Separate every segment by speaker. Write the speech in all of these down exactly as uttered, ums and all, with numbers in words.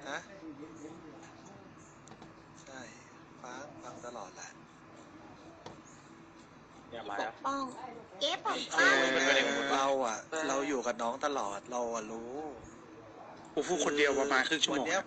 Speaker 1: ฮะใช่ฟังฟังตลอดแหละ
Speaker 2: เนี่ยมา
Speaker 3: ป
Speaker 2: แล้ว
Speaker 3: กป้องเก๊ปก
Speaker 1: เอ
Speaker 3: ป้อง
Speaker 1: อเราอ่ะ เราอยู่กับน้องตลอดเราอ่ะรู้
Speaker 4: กูพูดคนเดียวประมาณครึ่งชั่วโมง
Speaker 1: วันเนี้ย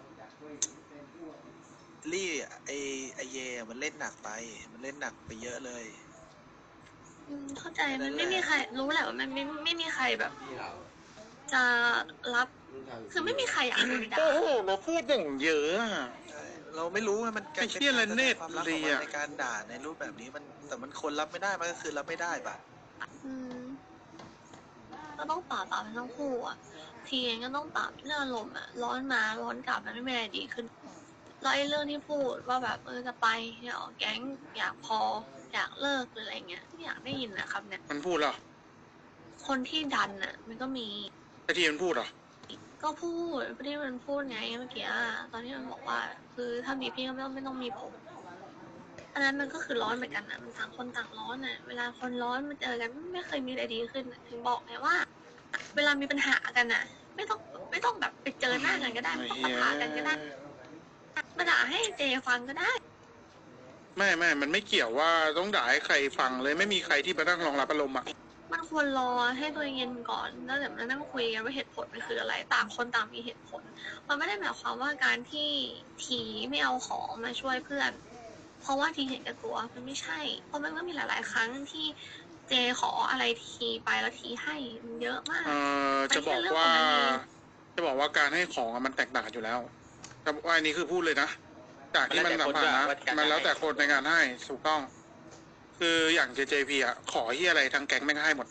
Speaker 1: ลี่ไอไอเยมันเล่นหนักไปมันเล่นหนักไปเยอะเลย
Speaker 3: อืมเข้าใจมันไม่มีใครรู้แหละว่ามันไม่ไม่มีใครแบบ จะรับคือไม่มีใครอยากโดนด่า
Speaker 4: โอ้โหเราพูดอย่างเยอะอะ
Speaker 1: ใช่เราไม่รู้ว่ามัน
Speaker 4: ไอ้เหี้ยละเนตร
Speaker 1: ความรัก
Speaker 4: เล
Speaker 1: ของ
Speaker 4: ย
Speaker 1: มัน
Speaker 4: อะ
Speaker 1: ในการด่าในรูปแบบนี้มันแต่มันคนรับไม่ได้มันก็คือรับไม่ได้ปะ
Speaker 3: อืมก็ต้องปรับปรับทั้งคู่อ่ะทีเองก็ต้องปรับเรื่องอารมณ์อ่ะร้อนมาร้อนกลับมันไม่มีอะไรดีขึ้นแล้วไอ้เรื่องที่พูดว่าแบบเออจะไปเนี่ยออกแก๊งอยากพออยากเลิกหรืออะไรเงี้ยไม่อยากได้ยินนะครับเนี่ย
Speaker 4: มันพูดเหรอ
Speaker 3: คนที่ดันอ่ะ มันก็มี
Speaker 4: ไอ้ที่มันพูดเหรอ
Speaker 3: ก็พูดที่มันพูดไงเมื่อกี้อะตอนที่มันบอกว่า คือถ้ามีพี่ก็ไม่ต้องไม่ต้องมีผมอันนั้นมันก็คือร้อนเหมือนกันนะมันต่างคนต่างร้อนอ่ะเวลาคนร้อนมาเจอกันไม่เคยมีอะไรดีขึ้นอะถึงบอกไงว่า เวลามีปัญหากันอ่ะ ไม่ต้องไม่ต้องแบบไปเจอหน้ากันก็ได้ไม่ต้องปะทะกันก็ได้มาด่าให้เจฟังก็ได้
Speaker 4: ไม่ไม่มันไม่เกี่ยวว่าต้องด่าให้ใครฟังเลยไม่มีใครที่มานั่งรองรับอารมณ์อ่ะ
Speaker 3: มันควรรอให้ตัวเองเย็นก่อนแล้วเดี๋ยวมานั่งคุยกันว่าเหตุผลมันคืออะไรต่างคนต่างมีเหตุผล มันไม่ได้หมายความว่าการที่ทีไม่เอาของมาช่วยเพื่อน เพราะว่าทีเห็นแก่ตัวมันไม่ใช่ เพราะมันก็มีหลาย ๆ ครั้งที่เจขออะไรทีไปแล้วทีให้มันเยอะมาก
Speaker 4: เอ่อจะบอกว่า จะบอกว่าการให้ของอะมันแตกต่างอยู่แล้วแต่ว่าอันนี้คือพูดเลยนะ จากที่มันสัมผัสนะมันแล้วแต่คนในการให้ถูกต้อง คืออย่าง เจ เจ พี อ่ะขอที่อะไรทางแก๊งแม่งให้หมด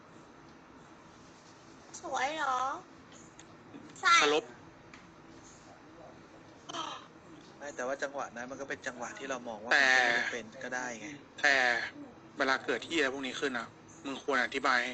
Speaker 3: สวยเหรอใช่
Speaker 4: เคารพ
Speaker 1: ไม่แต่ว่าจังหวะนั้นมันก็เป็นจังหวะที่เรามองว่า
Speaker 4: แต่
Speaker 1: มันไม่เป็นก็ได้ไง
Speaker 4: แต่เวลาเกิดที่อะไรพวกนี้ขึ้นอ่ะมึงควรอธิบายให้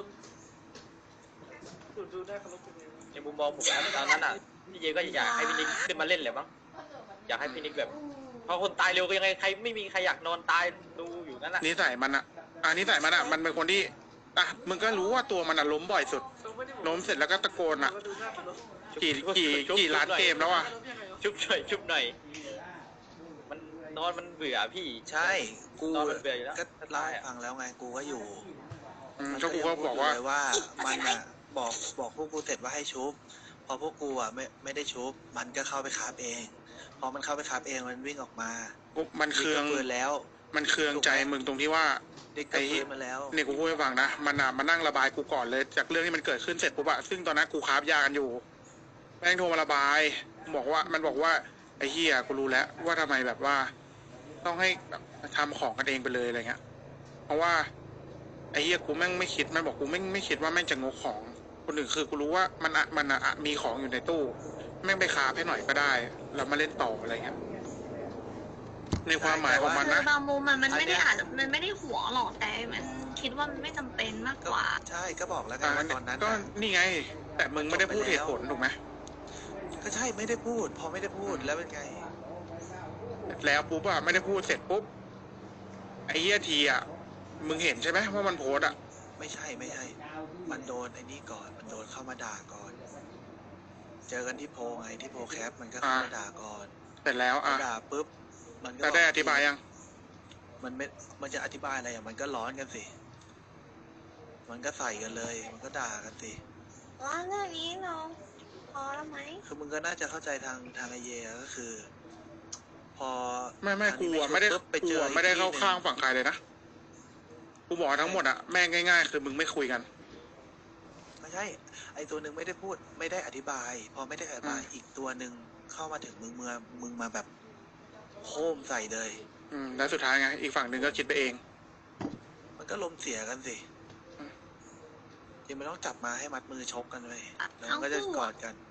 Speaker 2: ในมุมมองผมนะตอนนั้นอ่ะพี่เจก็อยากให้พี่นิกขึ้นมาเล่นแหละมั้งอยากให้พี่นิกแบบเพราะคนตายเร็วก็ยังไงใครไม่มีใครอยากนอนตายดูอยู่นั่นแหละ
Speaker 4: นิสัยมันอ่ะอ่านิสัยมันอ่ะมันเป็นคนที่อ่ะมึงก็รู้ว่าตัวมันอ่ะล้มบ่อยสุดล้มเสร็จแล้วก็ตะโกนอ่ะกี่กี่กี่ล้านเกมแล้วอ่ะ
Speaker 2: ชุบหน่อยชุบหน่อยมันนอนมันเบื่อพี่
Speaker 1: ใช่กู
Speaker 2: ตอนมันเบื่ออยู่แล้ว
Speaker 1: ก็เล่าให้ฟังแล้วไงกูก็อยู่
Speaker 4: อืมก็กูก็บอกว่า
Speaker 1: เลยว่ามันอ่ะบอกบอกพวกกูเสร็จว่าให้ชุบพอพวกกูอ่ะไม่ไม่ได้ชุบมันก็เข้าไปคาบเองพอมันเข้าไปคาบเองมันวิ่งออกมา
Speaker 4: มันเคือง
Speaker 1: ดิกก็ปืนแล้ว
Speaker 4: มันเคืองใจมึงตรงที่ว่า
Speaker 1: ดิกก็ปืนมาแล้ว
Speaker 4: เนี่ยกูพูดให้ฟังนะมันอ่ะมานั่งระบายกูก่อนเลยจากเรื่องที่มันเกิดขึ้นเสร็จปุ๊บอะซึ่งตอนนั้นกูคาบยากันอยู่แม่งโทรมาระบายบอกว่ามันบอกว่าไอ้เหี้ยกูรู้แล้วว่าทำไมแบบว่า ต้องให้แบบทำของกันเองไปเลยอะไรเงี้ยเพราะว่าไอ้เหี้ยกูแม่งไม่คิดมันบอกกูไม่ไม่คิดว่าแม่งจะงกของคนอื่นคือกูรู้ว่ามันอะมันอะมีของอยู่ในตู้แม่งไปคาบให้หน่อยก็ได้แล้วมาเล่นต่ออะไรเงี้ยในความหมายของมัน
Speaker 3: คื
Speaker 4: นะ
Speaker 3: อบางมุมมันมันไม่ได้อาจจะมันไม่ได้หวงหรอกแต่มันคิดว่ามันไม่จำเป็นมาก
Speaker 1: ก็
Speaker 3: กว่า
Speaker 1: ใช่ก็บอกแล้วไง
Speaker 4: อ่า
Speaker 1: ว่าตอนนั้น
Speaker 4: ก็
Speaker 1: น่ะ
Speaker 4: นี่ไง แต่มึงไม่ได้พูดเหตุผลถูกไหม
Speaker 1: ก็ใช่ไม่ได้พูด พอไม่ได้พูดแล้วเป็นไง
Speaker 4: แล้วปุ๊บอะไม่ได้พูดเสร็จปุ๊บไอ้เหี้ยทีอะมึงเห็นใช่ไหมว่ามันโพสอะ
Speaker 1: ไม่ใช่ไม่ใช่ มันโดนไอ้นี่ก่อน มันโดนเข้ามาด่าก่อน เจอกันที่โพลไงที่โพลแคปมันก็เข้ามาด่าก่อน
Speaker 4: เสร็จแล้ว
Speaker 1: พอ
Speaker 4: อะ
Speaker 1: ด่าปุ๊บมันก็
Speaker 4: แต่ได้อธิบายยัง
Speaker 1: มันไม่มันจะอธิบายอะไรอ่ะมันก็ร้อนกันสิ มันก็ใส่กันเลย มันก็ด่ากันสิ
Speaker 3: ร้านเรื่องนี้เราพอแล้วไหม
Speaker 1: คือมึงก็น่าจะเข้าใจทางทางไอเยก็คือ พอ
Speaker 4: ไม่ไม่
Speaker 1: ทาง
Speaker 4: กู
Speaker 1: นี้
Speaker 4: อะไม่ได้
Speaker 1: ชุบปุ๊บไป
Speaker 4: กู
Speaker 1: เจอ
Speaker 4: อะ
Speaker 1: อีก
Speaker 4: ไม่ได้เข้า
Speaker 1: ที่หนึ่
Speaker 4: ข้างฝั่งใครเลยนะกูบอกทั้งหมดอะแม่งง่ายๆ คือมึงไม่คุยกัน
Speaker 1: ไม่ใช่ ไอตัวหนึ่งไม่ได้พูดไม่ได้อธิบาย พอไม่ได้อธิบาย
Speaker 4: อืม
Speaker 1: อีกตัวหนึ่งเข้ามาถึงมึงเมื่อมึงมาแบบโคมใส่เลย
Speaker 4: อืมแล้วสุดท้ายไงอีกฝั่งหนึ่งก็คิดไปเอง
Speaker 1: มันก็ลมเสียกันสิ
Speaker 4: อืม
Speaker 1: จริงมันต้องจับมาให้มัดมือชกกันเลย
Speaker 3: อ่ะ
Speaker 1: แล้วมันก็จะ
Speaker 3: ทั้งคู่
Speaker 1: กอดกัน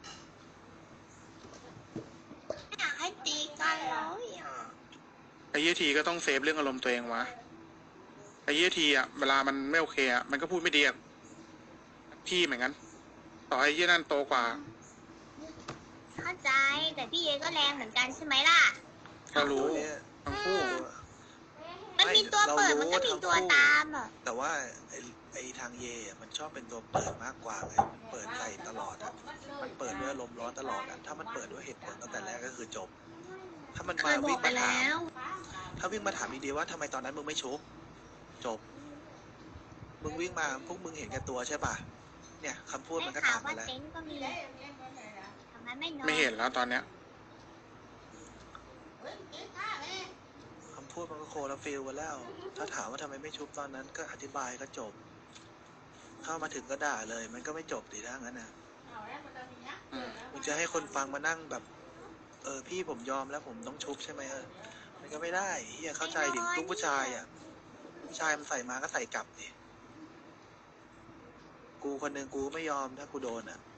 Speaker 3: อยากให้ตีกันแล้วอ่ะ
Speaker 4: ไอ้เหี้ยทีก็ต้องเซฟเรื่องอารมณ์ตัวเองวะไอ้เหี้ยทีอะเวลามันไม่โอเคอะมันก็พูดไม่ดีอะพี่เหมือนกันต่อให้เหี้ยนั่นโตกว่า
Speaker 3: เข้าใจแต่พี่เอก็แรงเหมือนกันใช่ไหมล่ะ
Speaker 4: ก็รู้
Speaker 1: ตัวเนี้ย
Speaker 4: ทั้งคู่
Speaker 3: มันมีตัวเปิดมันก็มีตัวตามอ่ะ
Speaker 1: แต่ว่าไอ้ไอ้ทางเยอะมันชอบเป็นตัวเปิดมากกว่าไงมันเปิดใส่ตลอดอ่ะ มันเปิดด้วยารมณ์ร้อนตลอดอะถ้ามันเปิดด้วยเหตุผลตั้งแต่แรกก็คือจบ ถ้ามัน
Speaker 3: เค
Speaker 1: มาย
Speaker 3: บอ
Speaker 1: วิ่
Speaker 3: ก
Speaker 1: ง
Speaker 3: ไป
Speaker 1: มาถา
Speaker 3: แล้
Speaker 1: ม
Speaker 3: ว
Speaker 1: ถ้าวิ่งมาถามดีๆว่าทำไมตอนนั้นมึงไม่ชุบจบ มึงวิ่งมาพวกมึงเห็นแก่ตัวใช่ป่ะเนี่ยคำพูดมันก็
Speaker 5: ข่า
Speaker 1: ต่าว งกั
Speaker 5: ว่าน
Speaker 1: แล้ว
Speaker 5: เต็นท์ก็มีทำไมไม่นอน
Speaker 4: ไม่เห็นแล้วตอนเนี้ย
Speaker 1: คำพูดมันก็โคลาฟิลกันแล้ว ถ้าถามว่าทำไมไม่ชุบตอนนั้นก็อธิบายก็จบ เข้ามาถึงก็ด่าเลย มันก็ไม่จบดีถ้างั้นนะ
Speaker 4: อืม
Speaker 1: มึงจะให้คนฟังมานั่งแบบ เออพี่ผมยอมแล้วผมต้องชุบใช่ไหมเออมันก็ไม่ได้เฮียเข้าใจดิลูกผู้ชายอ่ะผู้ชายมันใส่มาก็ใส่กลับดิกูคนหนึ่งกูไม่ยอมถ้ากูโดนอ่ะ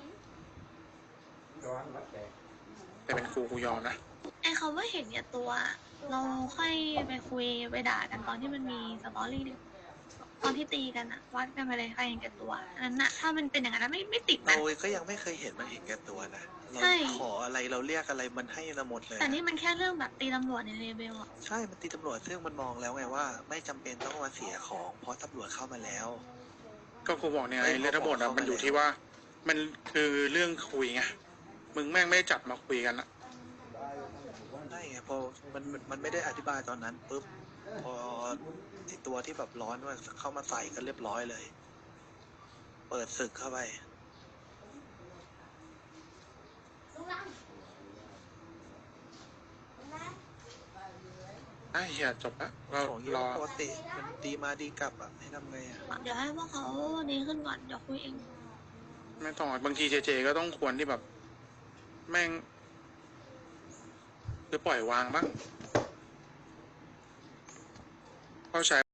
Speaker 4: แต่เป็นกูกูยอมนะ
Speaker 3: ไอ้คำว่าเห็นแก่ตัว เราค่อยไปคุยไปด่ากันตอนที่มันมีสตอรี่ดิตอนที่ตีกันอะวัดกันไปเลยใครเห็นแก่ตัวอันนั้นอะถ้ามันเป็นอย่างนั้นนะไม่ไม่ติด
Speaker 1: เรา
Speaker 3: นะ
Speaker 1: ก็ยังไม่เคยเห็นมันเห็นแก่ตัวนะเรา
Speaker 3: ใช่
Speaker 1: ขออะไรเราเรียกอะไรมันให้เราหมดเลย
Speaker 3: แต่
Speaker 1: นะ
Speaker 3: นี่มันแค่เรื่องแบบตีตำรวจในเลเวลอะ
Speaker 1: ใช่มันตีตำรวจซึ่งมันมองแล้วไงว่า ไม่จำเป็นต้องมาเสียของเพราะตำรวจเข้ามาแล้ว
Speaker 4: ก็กูบอกเนี่ย
Speaker 1: เอ้ย
Speaker 4: ไอ้เรื่องทั้งหมด
Speaker 1: เขา
Speaker 4: อะ
Speaker 1: บอก
Speaker 4: มันอยู่
Speaker 1: เขา
Speaker 4: ที่ว่า มันคือเรื่องคุยไงมึงแม่งไม่จับมาคุยกันอะ
Speaker 1: ใช่ไงพอมันมันมันไม่ได้อธิบายตอนนั้นปุ๊บพอไอตัวที่แบบร้อนว่าเข้ามาใส่ก็เรียบร้อยเลย เปิดศึกเข้าไป
Speaker 4: ไอ้เหี้ยจบละเรา
Speaker 1: ของเย
Speaker 4: รอ
Speaker 1: อะปกติมันดีมาดีกลับอ่ะให้ทำไงอ่ะ
Speaker 3: เดี๋ยวให้พวกเขาดีขึ้นก่อนเดี๋ยวคุยเอง
Speaker 4: ไม่ต้องบางทีเจเจก็ต้องควรที่แบบ แม่งหรือปล่อยวางบ้างเข้าใจ